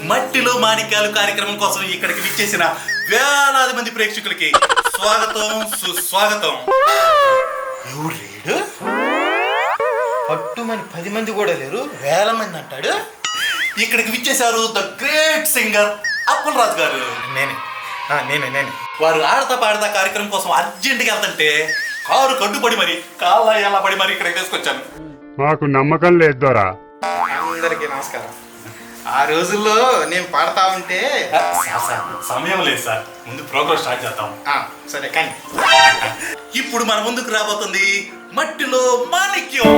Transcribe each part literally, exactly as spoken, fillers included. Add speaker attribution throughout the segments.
Speaker 1: మట్టిలో మాణిక్యాలు కార్యక్రమం కోసం ఇక్కడికి విచ్చేసిన వేలాది మంది ప్రేక్షకులకి స్వాగతం సుస్వాగతం. ఎవరు లేడు? పట్టుమని పది మంది కూడా లేరు, వేల మంది అంటాడు. ఇక్కడికి విచ్చేశారు the great singer Appul Raju garu. నేనే నేనే నేనే వారు ఆడతా పాడతా కార్యక్రమం కోసం అర్జెంటుగా వెళ్తుంటే కారు కడ్డుపడి మరి కాళ్ళ ఎలా పడి మరి ఇక్కడికి తీసుకొచ్చాను.
Speaker 2: మాకు నమ్మకం లేదు దొరా.
Speaker 3: అందరికీ నమస్కారం. ఆ రోజుల్లో నేను పాడతా ఉంటే
Speaker 1: సమయం లేదు సార్, ముందు ప్రోగ్రామ్ స్టార్ట్ చేద్దాం.
Speaker 3: సరే కానీ
Speaker 1: ఇప్పుడు మన ముందుకు రాబోతుంది మట్టిలో మాణిక్యం.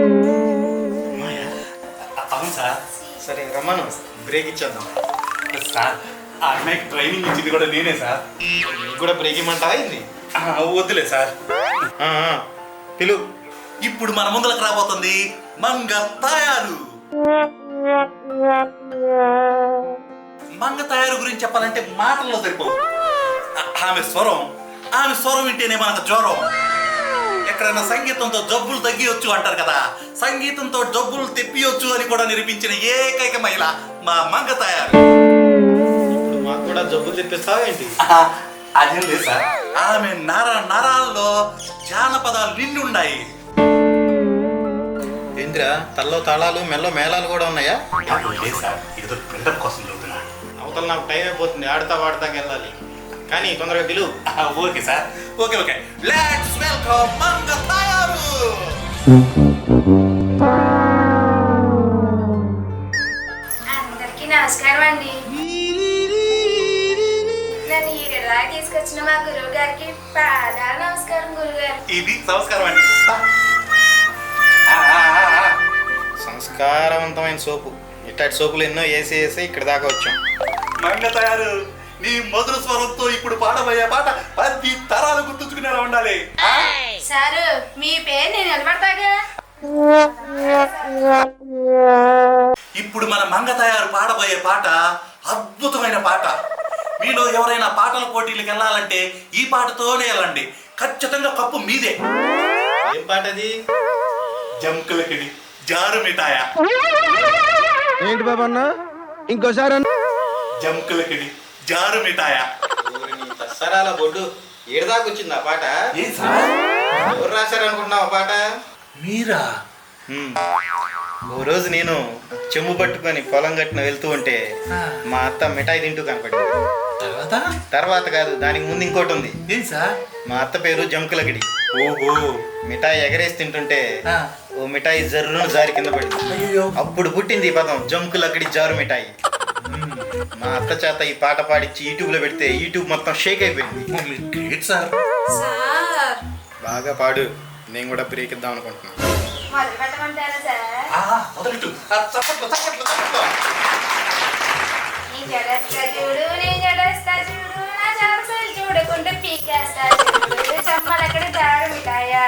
Speaker 1: అవును సార్.
Speaker 3: సరే రమ్మను, బ్రేక్ ఇచ్చేద్దాం.
Speaker 1: సార్ ఆ అమ్మాయికి ట్రైనింగ్ ఇచ్చింది కూడా నేనే సార్.
Speaker 3: నీకు కూడా బ్రేక్ ఇమ్మంటావా ఇది?
Speaker 1: వద్దులే సార్,
Speaker 3: పిలు.
Speaker 1: ఇప్పుడు మన ముందుకు రాబోతుంది మంగ తయారు. మంగ తయారు గురించి చెప్పాలంటే మాటల్లో సరిపోదు. ఆమె స్వరం ఆమె స్వరం వింటేనే మనకు జ్వరం. ఎక్కడైనా సంగీతంతో జబ్బులు తగ్గియొచ్చు అంటారు కదా, సంగీతంతో జబ్బులు తెప్పియొచ్చు అని కూడా నిరూపించిన ఏకైక మహిళ మా మంగ తయారు.
Speaker 3: ఇప్పుడు మాకు కూడా జబ్బులు తెప్పిస్తావా ఏంటి?
Speaker 1: అదేం లేదు సార్, ఆమె నర నరాల్లో జానపదాలు నిండి ఉన్నాయి.
Speaker 3: ఏంద్రా, తల్లో తాళాలు మెల్లో మేళాలు కూడా ఉన్నాయా?
Speaker 1: లేదు సార్, ఏదో ప్రింటర్ కోసం చదువుతున్నా.
Speaker 3: అవతల నాకు టైం అయిపోతుంది, ఆడతా వాడతాకి వెళ్ళాలి. కానీ తొందరగా పిలు.
Speaker 1: Okay sir, okay okay. Let's welcome Manga తయారు.
Speaker 4: అందరికీ నమస్కారం అండి. నన్ను ఇలా తీసుకొచ్చిన మా గురువు గారికి పాదాల నమస్కారం. గురువు గారు
Speaker 1: ఇది సంస్కారం అండి.
Speaker 3: సంస్కారవంతమైన సోపు. ఇట్లాంటి సోపులు ఎన్నో వేసి వేసి ఇక్కడ దాకా వచ్చాం.
Speaker 1: మంగ తయారు, నీ మధుర స్వరంతో ఇప్పుడు పాడబోయే పాట పది తరాలు గుర్తుంచుకునేలా ఉండాలి.
Speaker 4: సారు, మీ పేరు నేను నిలబడతాగా.
Speaker 1: ఇప్పుడు మన మంగ తయారు పాడబోయే పాట అద్భుతమైన పాట. మీలో ఎవరైనా పాటల పోటీలకు వెళ్ళాలంటే ఈ పాటతోనే వెళ్ళండి, ఖచ్చితంగా కప్పు మీదే.
Speaker 3: ఏం పాట అది?
Speaker 1: జంకులకిడి జారు మిఠాయా.
Speaker 5: ఏంటి బాబన్న, ఇంకోసారి
Speaker 1: జంకులకిడి జారు మిఠాయా.
Speaker 3: దసరాల బొడ్డు ఏడదాకా వచ్చింది ఆ పాట.
Speaker 1: ఏం సార్,
Speaker 3: ఎవరు రాశారనుకుంటున్నావు ఆ పాట?
Speaker 1: మీరా?
Speaker 3: ఓ రోజు నేను చెంబు పట్టుకొని పొలం గట్టున వెళ్తూ ఉంటే మా అత్త మిఠాయి తింటూ కనపడింది.
Speaker 1: తర్వాత
Speaker 3: తర్వాత కాదు, దానికి ముందు ఇంకోటి ఉంది.
Speaker 1: ఏం సార్?
Speaker 3: మా అత్త పేరు జంకులకిడి.
Speaker 1: ఓహో.
Speaker 3: మిఠాయి ఎగరేసి తింటుంటే ఓ మిఠాయి జర్రును జారి కింద పడింది. అప్పుడు పుట్టింది ఈ పదం జంకులకిడి జారు మిఠాయి. మా అత్త చేత ఈ పాట పాడించి యూట్యూబ్ లో పెడితే యూట్యూబ్ మొత్తం షేక్ అయిపోయింది.
Speaker 1: సార్
Speaker 4: సార్
Speaker 3: బాగా పాడు, నేను కూడా బ్రేక్ ఇద్దాం అనుకుంటున్నాను.
Speaker 4: మొదలు పెట్టమంటారా సార్?
Speaker 1: మొదలెట్టు. చప్పట్లు చప్పట్లు చప్పట్లు.
Speaker 4: నీ జడస్తా చూడు, నీ జడస్తా చూడు, నా చాపసలు చూడకుండా పీకేస్తా చూడు, చమ్మలక్కడ జారు మిఠాయా.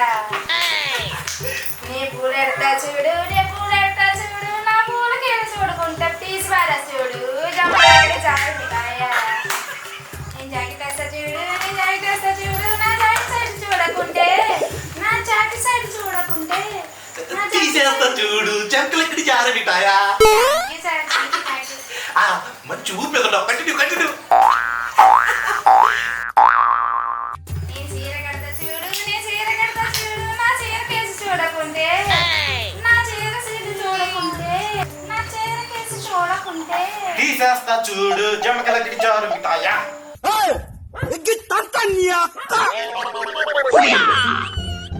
Speaker 4: నీ పూలెడతా చూడు, నీ పూలెడతా చూడు, నా పూలకేళ చూడకుండా పీసి పారా చూడు, చమ్మలక్కడ జారు మిఠాయా. నీ జాకెట్ వేస్తా చూడు, నీ జాకెట్ వేస్తా చూడు, నా జాకెట్ సైడ్ చూడకుంటే, నా జాకెట్ సైడ్ చూడకుంటే, నా
Speaker 1: తీసేస్తా చూడు జంకులకిడి జారు మిఠాయా.
Speaker 4: జాకెట్
Speaker 1: మంచి ఊపి కంటిన్యూ కంటిన్యూ.
Speaker 4: నీ చీర కడతా చూడు, నీ చీర కడతా చూడు, నా చీర కేసి చూడకుంటే, నా చీర సీటు చూడకుంటే, నా చీర కేసి చూడకుంటే,
Speaker 3: తీసేస్తా చూడు జంకులకిడి జారు మిఠాయా.